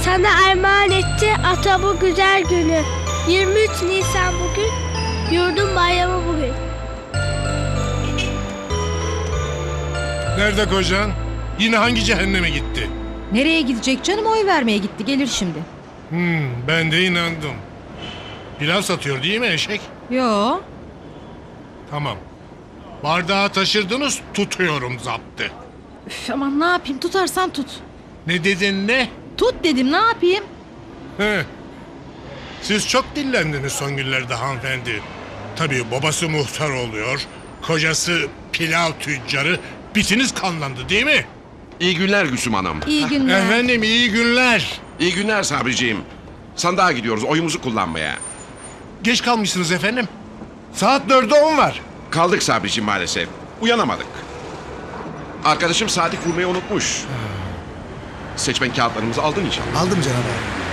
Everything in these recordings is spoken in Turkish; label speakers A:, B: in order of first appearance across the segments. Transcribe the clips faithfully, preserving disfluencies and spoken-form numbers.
A: Sana armağan etti ata bu güzel günü. yirmi üç Nisan bugün, yurdun bayramı bugün.
B: Nerede kocan? Yine hangi cehenneme gitti?
C: Nereye gidecek canım, oy vermeye gitti, gelir şimdi.
B: Hmm, ben de inandım. Pilav satıyor değil mi eşek?
C: Yo.
B: Tamam. Bardağı taşırdınız, tutuyorum zaptı.
C: Üf, aman ne yapayım, tutarsan tut.
B: Ne dedin ne?
C: Tut dedim, ne yapayım?
B: He. Siz çok dillendiniz son günlerde hanımefendi. Tabii babası muhtar oluyor, kocası pilav tüccarı, bitiniz kanlandı değil mi?
D: İyi günler Gülsüm Hanım.
C: İyi günler.
B: Efendim iyi günler.
D: İyi günler Sabriciğim. Sandığa gidiyoruz oyumuzu kullanmaya.
B: Geç kalmışsınız efendim. Saat dörde on var.
D: Kaldık Sabriciğim maalesef. Uyanamadık. Arkadaşım saati kurmayı unutmuş. Seçmen kağıtlarımızı aldın inşallah.
E: Aldım Cenab abi.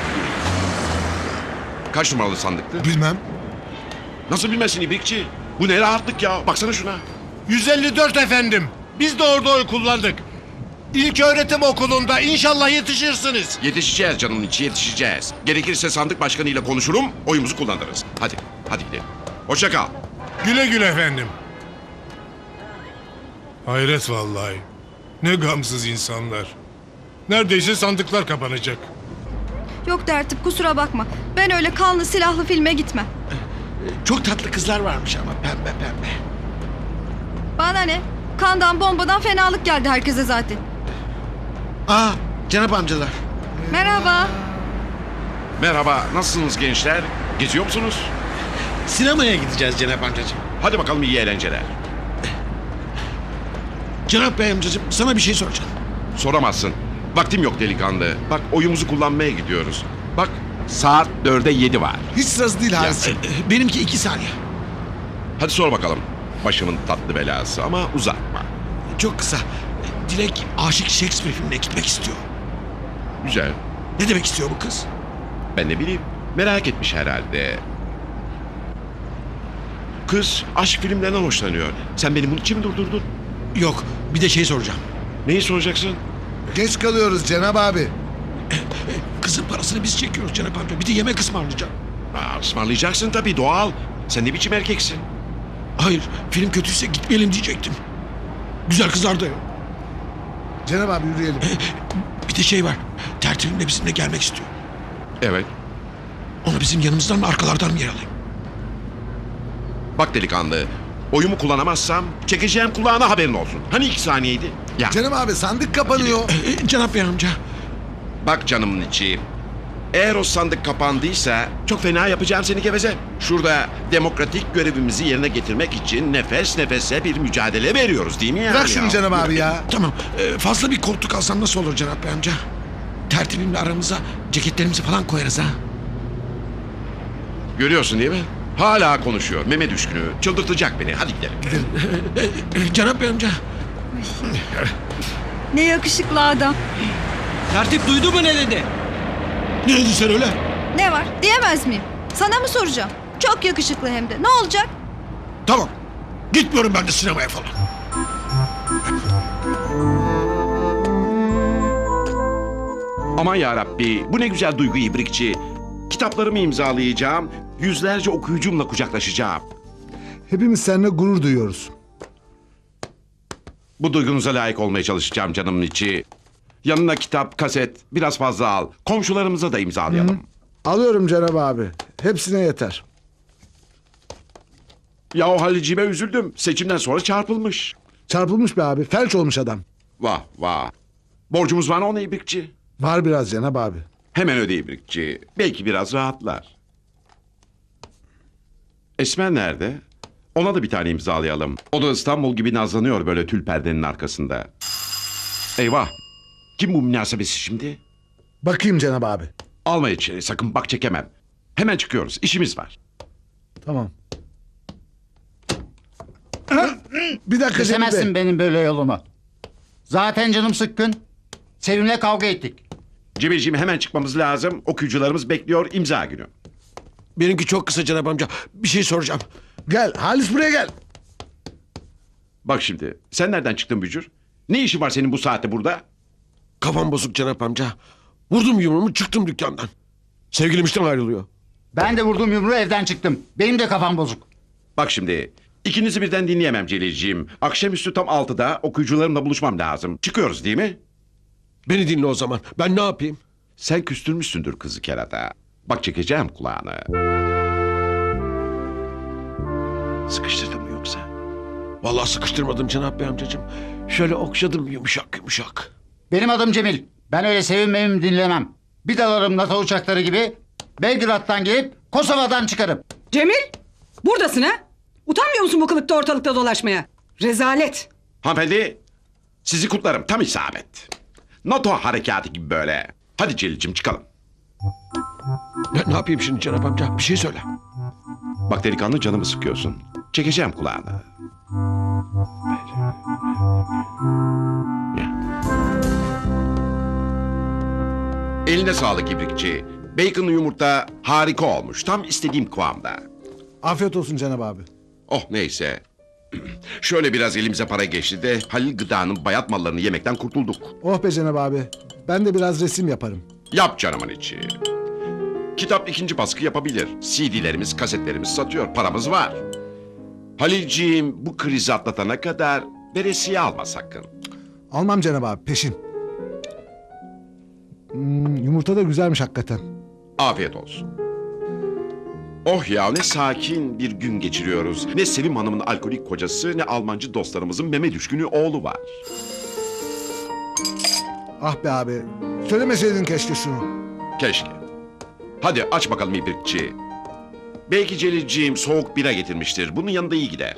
D: Kaç numaralı sandıktı?
E: Bilmem.
D: Nasıl bilmesin İbrikçi? Bu ne rahatlık ya. Baksana şuna.
B: yüz elli dört efendim. Biz de orada oy kullandık. İlk öğretim okulunda inşallah yetişirsiniz.
D: Yetişeceğiz canımın içi yetişeceğiz. Gerekirse sandık başkanıyla konuşurum, oyumuzu kullanırız. Hadi, hadi gidelim. Hoşça kal.
B: Güle güle efendim. Hayret vallahi. Ne gamsız insanlar. Neredeyse sandıklar kapanacak.
F: Yok tertip, kusura bakma. Ben öyle kanlı silahlı filme gitmem.
E: Çok tatlı kızlar varmış ama pembe pembe.
F: Bana ne? Kandan bombadan fenalık geldi herkese zaten.
E: Aa Cenap amcalar.
F: Merhaba.
D: Merhaba, nasılsınız gençler? Geziyor musunuz?
E: Sinemaya gideceğiz Cenap amcacığım.
D: Hadi bakalım iyi eğlenceler.
E: Cenap Bey amcacığım sana bir şey soracağım.
D: Soramazsın. Vaktim yok delikanlı. Bak oyumuzu kullanmaya gidiyoruz. Bak saat dörde yedi var.
E: Hiç sırası değil Haris'ciğim. Benimki iki saniye.
D: Hadi sor bakalım. Başımın tatlı belası ama uzatma.
E: Çok kısa. Dilek aşık Shakespeare filmine gitmek istiyor.
D: Güzel.
E: Ne demek istiyor bu kız?
D: Ben ne bileyim. Merak etmiş herhalde. Kız aşk filmlerinden hoşlanıyor. Sen beni bunun için mi durdurdun?
E: Yok bir de şey soracağım.
D: Neyi soracaksın?
G: Geç kalıyoruz Cenab abi.
E: Kızın parasını biz çekiyoruz Cenap amca. Bir de yemek ısmarlayacağım.
D: Aa, ısmarlayacaksın tabii doğal. Sen ne biçim erkeksin?
E: Hayır film kötüyse gitmeyelim diyecektim. Güzel kızlar da yok.
G: Cenab abi yürüyelim.
E: Bir de şey var. Tertibimle bizimle gelmek istiyor.
D: Evet.
E: Onu bizim yanımızdan mı arkalardan mı yer alayım?
D: Bak delikanlı. Oyumu kullanamazsam çekeceğim kulağına haberin olsun. Hani iki saniyeydi? Ya
G: Cenab abi sandık kapanıyor.
E: Ee, Cenap Bey amca.
D: bak canımın içi. Eğer o sandık kapandıysa çok fena yapacağım seni geveze. Şurada demokratik görevimizi yerine getirmek için nefes nefese bir mücadele veriyoruz değil mi yani?
G: Bırak şunu
D: ya?
G: Cenab abi ya.
E: Tamam. ee, fazla bir koltuk alsam nasıl olur Cenap Bey amca? Tertibimle aramıza ceketlerimizi falan koyarız ha.
D: Görüyorsun değil mi? Hala konuşuyor. Meme düşkünü. Çıldırtacak beni. Hadi gidelim.
E: Ee, Cenap Bey amca.
F: Ne yakışıklı adam.
H: Tertip duydu mu ne dedi?
E: Ne dedin sen öyle?
F: Ne var? Diyemez miyim? Sana mı soracağım? Çok yakışıklı hem de. Ne olacak?
E: Tamam. Gitmiyorum ben de sinemaya falan.
D: Aman yarabbi. Bu ne güzel duygu ibrikçi. Kitaplarımı imzalayacağım. Yüzlerce okuyucumla kucaklaşacağım.
G: Hepimiz seninle gurur duyuyoruz.
D: Bu duygunuza layık olmaya çalışacağım canımın içi. Yanına kitap, kaset, biraz fazla al. Komşularımıza da imzalayalım.
G: Alıyorum Cenab abi. Hepsine yeter.
D: Ya o Halicime üzüldüm. Seçimden sonra çarpılmış.
G: Çarpılmış be abi. Felç olmuş adam.
D: Vah vah. Borcumuz var ona ibrikçi.
G: Var biraz Cenab abi.
D: Hemen öde ibrikçi. Belki biraz rahatlar. Esmer nerede? Ona da bir tane imzalayalım. O da İstanbul gibi nazlanıyor böyle tül perdenin arkasında. Eyvah. Kim bu münasebesi şimdi?
G: Bakayım Cenab abi.
D: Alma içeri sakın bak çekemem. Hemen çıkıyoruz. İşimiz var.
G: Tamam. Bir dakika Cemil
I: Kesemezsin
G: Bey.
I: benim böyle yolumu. Zaten canım sıkkın. Sevim'le kavga ettik.
D: Cebelciğim hemen çıkmamız lazım. Okuyucularımız bekliyor imza günü.
E: Benimki çok kısa Cenap amca. Bir şey soracağım.
G: Gel Halis buraya gel.
D: Bak şimdi sen nereden çıktın Bücür? Ne işin var senin bu saatte burada?
E: Kafam bozuk Cenap amca. Vurdum yumruğumu çıktım dükkandan. Sevgilim işten ayrılıyor.
I: Ben de vurduğum yumruğu evden çıktım. Benim de kafam bozuk.
D: Bak şimdi ikinizi birden dinleyemem Celilciğim. Akşamüstü tam altıda okuyucularımla buluşmam lazım. Çıkıyoruz değil mi?
E: Beni dinle o zaman. Ben ne yapayım?
D: Sen küstürmüşsündür kızı kerata. Bak çekeceğim kulağını. Sıkıştırdın mı yoksa?
E: Vallahi sıkıştırmadım Cenap Bey amcacığım. Şöyle okşadım yumuşak yumuşak.
I: Benim adım Cemil. Ben öyle sevinmemi dinlemem. Bir dalarım NATO uçakları gibi Belgrad'dan gelip Kosova'dan çıkarım.
J: Cemil, buradasın ha? Utanmıyor musun bu kılıkta ortalıkta dolaşmaya? Rezalet.
D: Hanımefendi sizi kutlarım tam isabet. NATO harekatı gibi böyle. Hadi Celil'cim çıkalım.
E: Ne, ne yapayım şimdi Cenap amca? Bir şey söyle.
D: Bak delikanlı canımı sıkıyorsun. Çekeceğim kulağını. Ya. Eline sağlık ibrikçi. Bacon'lı yumurta harika olmuş. Tam istediğim kıvamda.
G: Afiyet olsun Cenab abi.
D: Oh neyse. Şöyle biraz elimize para geçti de Halil Gıda'nın bayat mallarını yemekten kurtulduk.
G: Oh be Cenab abi. Ben de biraz resim yaparım.
D: Yap canımın içi. Kitap ikinci baskı yapabilir. C D'lerimiz, kasetlerimiz satıyor. Paramız var. Halilciğim bu krizi atlatana kadar veresiye alma sakın.
G: Almam Cenab abi, peşin. Hmm, yumurta da güzelmiş hakikaten.
D: Afiyet olsun. Oh ya ne sakin bir gün geçiriyoruz. Ne Sevim Hanım'ın alkolik kocası ne Almancı dostlarımızın meme düşkünü oğlu var.
G: Ah be abi. Söylemeseydin keşke şunu.
D: Keşke. Hadi aç bakalım ibrikçi. Belki Celilciğim soğuk bira getirmiştir. Bunun yanında iyi gider.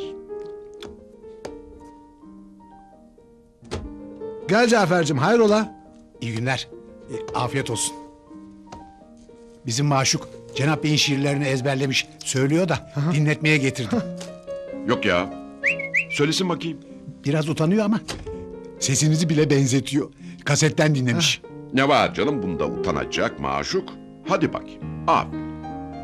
G: Gel Cafer'cim, hayrola?
K: İyi günler. E, afiyet olsun. Bizim maşuk Cenap Bey'in şiirlerini ezberlemiş. Söylüyor da dinletmeye getirdim.
D: Yok ya. Söylesin bakayım.
K: Biraz utanıyor ama sesinizi bile benzetiyor. Kasetten dinlemiş.
D: Ne var canım bunda utanacak maşuk? Hadi bakayım. Aferin.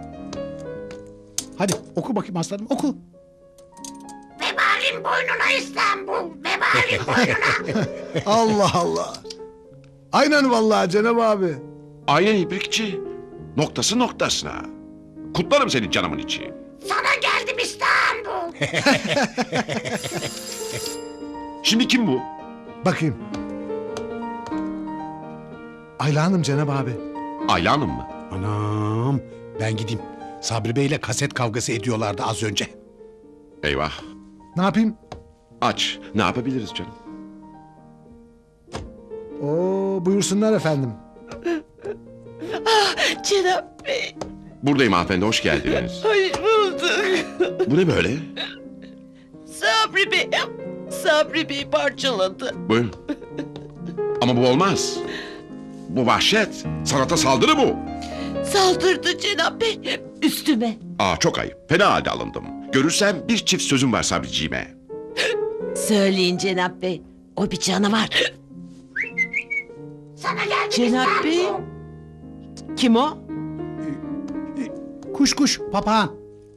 K: Hadi oku bakayım aslanım, oku.
L: Vebalin boynuna İstanbul. Vebalin boynuna.
G: Allah Allah. Aynen vallahi Cenab abi.
D: Aynen ibrikçi. Noktası noktasına. Kutlarım seni canımın içi.
L: Sana geldim İstanbul.
D: Şimdi kim bu?
G: Bakayım. Ayla Hanım Cenab abi.
D: Ayla Hanım mı?
K: Anam, ben gideyim. Sabri Bey'le kaset kavgası ediyorlardı az önce.
D: Eyvah.
G: Ne yapayım?
D: Aç. Ne yapabiliriz canım?
G: Oo, buyursunlar efendim.
L: Cenap Bey.
D: Buradayım hanımefendi hoş geldiniz.
L: Hoş bulduk.
D: Bu ne böyle?
L: Sabri Bey. Sabri Bey parçaladı.
D: Buyurun. Ama bu olmaz. Bu vahşet. Sanata saldırı bu.
L: Saldırdı Cenap Bey. Üstüme.
D: Aa çok ayıp. Fena halde alındım. Görürsem bir çift sözüm var Sabriciğime.
L: Söyleyin Cenap Bey. O bir canavar. Sana geldim Cenap Bey. Kim o?
K: Kuş kuş, papağan.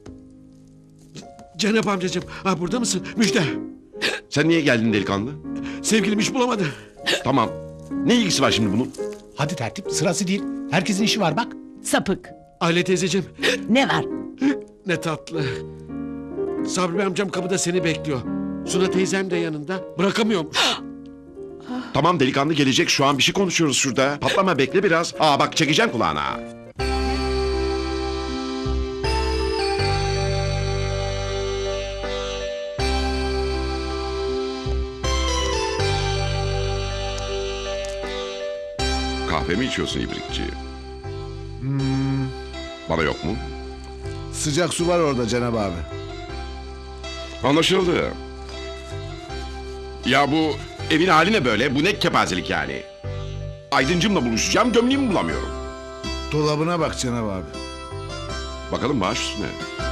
E: Cenap amcacığım. Ha, burada mısın? Müjde.
D: Sen niye geldin delikanlı?
E: Sevgilim iş bulamadı.
D: Tamam. Ne ilgisi var şimdi bunun?
K: Hadi tertip, sırası değil. Herkesin işi var bak.
L: Sapık.
E: Aile teyzeciğim.
L: Ne var?
E: Ne tatlı. Sabri Bey amcam kapıda seni bekliyor. Suna teyzem de yanında. Bırakamıyormuş.
D: Tamam delikanlı gelecek şu an bir şey konuşuyoruz şurada. Patlama bekle biraz. Aa bak çekeceğim kulağına. Kahve mi içiyorsun ibrikçi?
G: Hmm,
D: Bana yok mu?
G: sıcak su var orada Cenab abi.
D: Anlaşıldı. Ya bu evin hali ne böyle? Bu ne kepazelik yani? Aydıncımla buluşacağım gömleğimi bulamıyorum.
G: Dolabına bak Cenab abi.
D: Bakalım baş üstüne.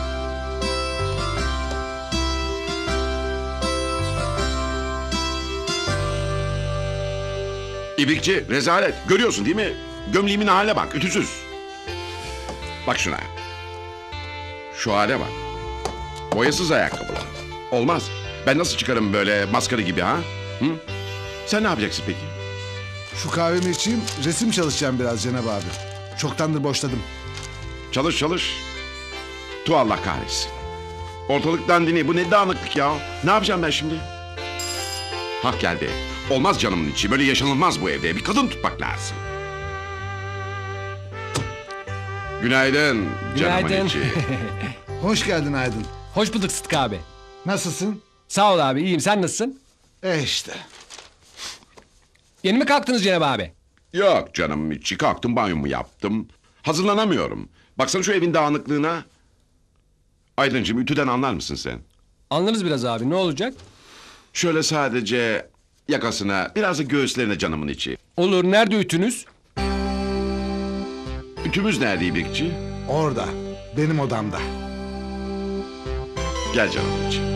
D: İbrikçi rezalet. Görüyorsun değil mi? Gömleğimin haline bak ütüsüz. Bak şuna. Şu hale bak. Boyasız ayakkabılar. Olmaz. Ben nasıl çıkarım böyle maskara gibi ha? Hı? Sen ne yapacaksın peki?
G: Şu kahvemi içeyim, resim çalışacağım biraz Cenab abi. Çoktandır boşladım.
D: Çalış çalış. Tu Allah kahretsin. Ortalık dandini, bu ne dağınıklık ya. Ne yapacağım ben şimdi? Hak geldi. Olmaz canımın içi. Böyle yaşanılmaz bu evde. Bir kadın tutmak lazım. Günaydın, canımın
H: Günaydın.
D: içi.
G: Hoş geldin Aydın.
H: Hoş bulduk Sıtkı abi.
G: Nasılsın?
H: Sağ ol abi, iyiyim. Sen nasılsın?
G: E işte.
H: Yeni mi kalktınız Cenab abi?
D: Yok canım içi. Kalktım, banyomu yaptım. Hazırlanamıyorum. Baksana şu evin dağınıklığına. Aydıncığım, ütüden anlar mısın sen?
H: Anlarız biraz abi, ne olacak?
D: Şöyle sadece yakasına, biraz da göğüslerine canımın içi.
H: Olur, nerede ütünüz?
D: Ütümüz nerede İbrikçi?
G: Orada. Benim odamda.
D: Gel canımın içi.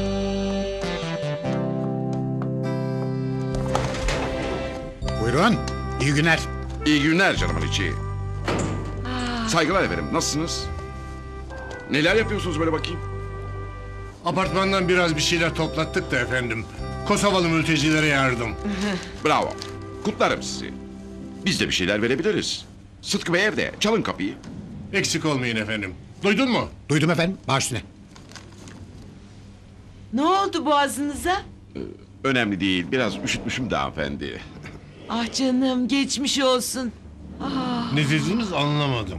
K: Buyurun. İyi günler.
D: İyi günler canımın içi. Saygılar efendim. Nasılsınız? Neler yapıyorsunuz böyle bakayım?
B: Apartmandan biraz bir şeyler toplattık da efendim. Kosovalı mültecilere yardım.
D: Bravo. Kutlarım sizi. Biz de bir şeyler verebiliriz. Sıtkı Bey evde. Çalın kapıyı.
B: Eksik olmayın efendim. Duydun mu?
K: Duydum efendim. Baş üstüne.
L: Ne oldu boğazınıza?
D: Önemli değil. Biraz üşütmüşüm de hanımefendi.
L: Ah canım geçmiş olsun.
B: Ne dediğiniz anlamadım.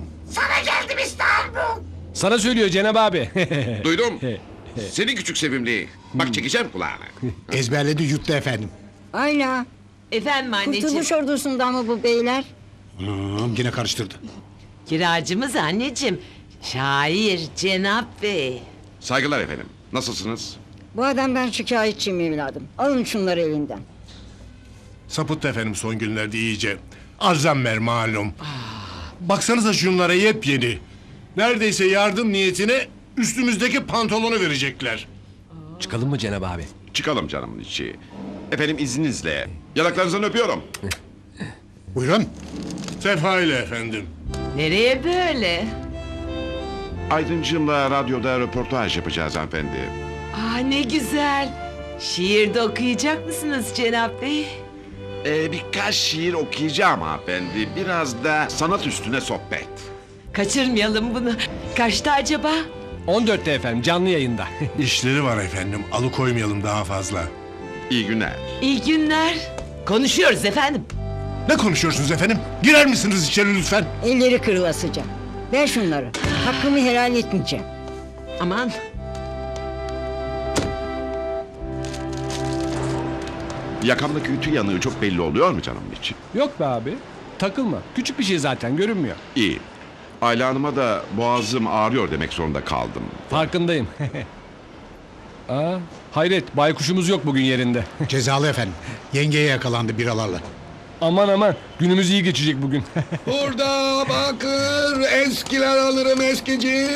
H: Sana söylüyor Cenab abi.
D: Duydum. Seni küçük sevimli. Bak çekeceğim kulağını.
K: Ezberledi yuttu efendim.
M: Ayla.
L: Efendim anneciğim.
M: Kurtuluş ordusundan mı bu beyler?
K: Hmm, yine karıştırdı.
L: Kiracımız anneciğim. Şair Cenap Bey.
D: Saygılar efendim. Nasılsınız?
M: Bu adamdan şikayetçiyim evladım. Alın şunları elinden.
B: Sapıttı efendim son günlerde iyice. Alzheimer malum. Baksanıza şunlara yepyeni. Neredeyse yardım niyetine üstümüzdeki pantolonu verecekler.
H: Çıkalım mı Cenab abi?
D: Çıkalım canımın içi. Efendim izninizle. Yanaklarınızdan öpüyorum.
K: Buyurun.
B: Sefa ile efendim.
L: Nereye böyle?
D: Aydıncığımla radyoda röportaj yapacağız hanımefendi.
L: Ah ne güzel. Şiir de okuyacak mısınız Cenap Bey?
D: Ee, birkaç şiir okuyacağım hanımefendi. Biraz da sanat üstüne sohbet.
L: Kaçırmayalım bunu. Kaçta acaba?
H: on dörtte efendim, canlı yayında.
B: İşleri var efendim. Alıkoymayalım daha fazla.
D: İyi günler.
L: İyi günler. Konuşuyoruz efendim.
B: Ne konuşuyorsunuz efendim? Girer misiniz içeri lütfen?
M: Elleri kırılasıca. Ver şunları. Hakkımı helal etmeyeceğim.
L: Aman.
D: Yakamdaki ütü yanığı çok belli oluyor mu canımın içi?
H: Yok be abi, takılma. Küçük bir şey zaten, görünmüyor.
D: İyi. Ayla Hanım'a da boğazım ağrıyor demek zorunda kaldım.
H: Farkındayım. Aa, hayret, baykuşumuz yok bugün yerinde.
K: Cezalı efendim. Yengeye yakalandı biralarla.
H: Aman aman, günümüz iyi geçecek bugün.
G: Burada bakır eskiler alırım eskici.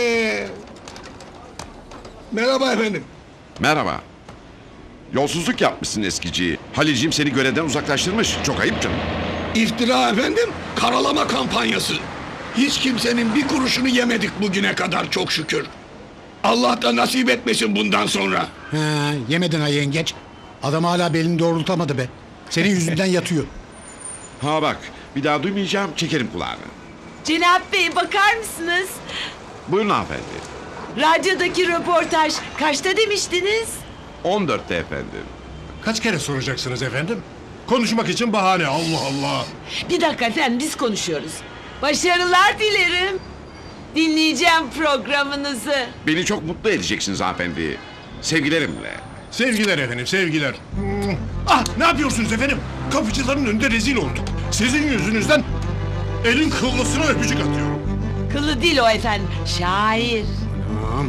G: Merhaba efendim.
D: Merhaba. Yolsuzluk yapmışsın eskici. Halilciğim seni görevden uzaklaştırmış. Çok ayıp canım.
G: İftira efendim, karalama kampanyası. Hiç kimsenin bir kuruşunu yemedik bugüne kadar çok şükür. Allah da nasip etmesin bundan sonra.
K: He, yemedin ha yengeç. Adam hala belini doğrultamadı be. Senin yüzünden yatıyor.
D: Ha bak, bir daha duymayacağım, çekerim kulağını.
L: Cenap Bey bakar mısınız?
D: Buyurun hanımefendi.
L: Radyodaki röportaj kaçta demiştiniz?
D: on dörtte efendim.
B: Kaç kere soracaksınız efendim? Konuşmak için bahane. Allah Allah.
L: Bir dakika efendim biz konuşuyoruz. Başarılar dilerim. Dinleyeceğim programınızı.
D: Beni çok mutlu edeceksiniz hanımefendi. Sevgilerimle.
B: Sevgiler efendim, sevgiler. Ah, ne yapıyorsunuz efendim? Kapıcıların önünde rezil olduk. Sizin yüzünüzden elin kıllısına öpücük atıyorum.
L: Kılı değil o efendim. Şair.
K: Tamam.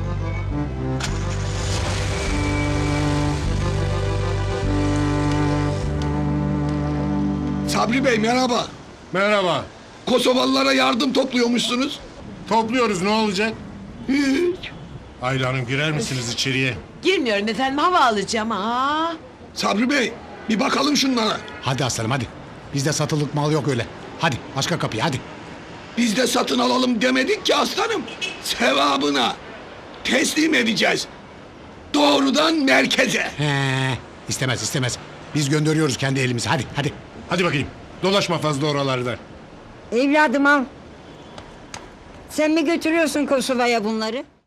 G: Sabri Bey merhaba.
B: Merhaba.
G: Kosovalılara yardım topluyormuşsunuz.
B: Topluyoruz, ne olacak?
G: Hiç.
B: Ayla Hanım girer misiniz içeriye?
L: Girmiyorum efendim hava alacağım. Aa.
G: Sabri Bey bir bakalım şunlara.
K: Hadi aslanım hadi. Bizde satılık mal yok öyle. Hadi başka kapıya hadi.
G: Biz de satın alalım demedik ki aslanım. Sevabına teslim edeceğiz. Doğrudan merkeze.
K: He, istemez istemez. Biz gönderiyoruz kendi elimizi. Hadi hadi.
B: Hadi bakayım. Dolaşma fazla oralarda.
M: Evladım al. Sen mi götürüyorsun Kosova'ya bunları?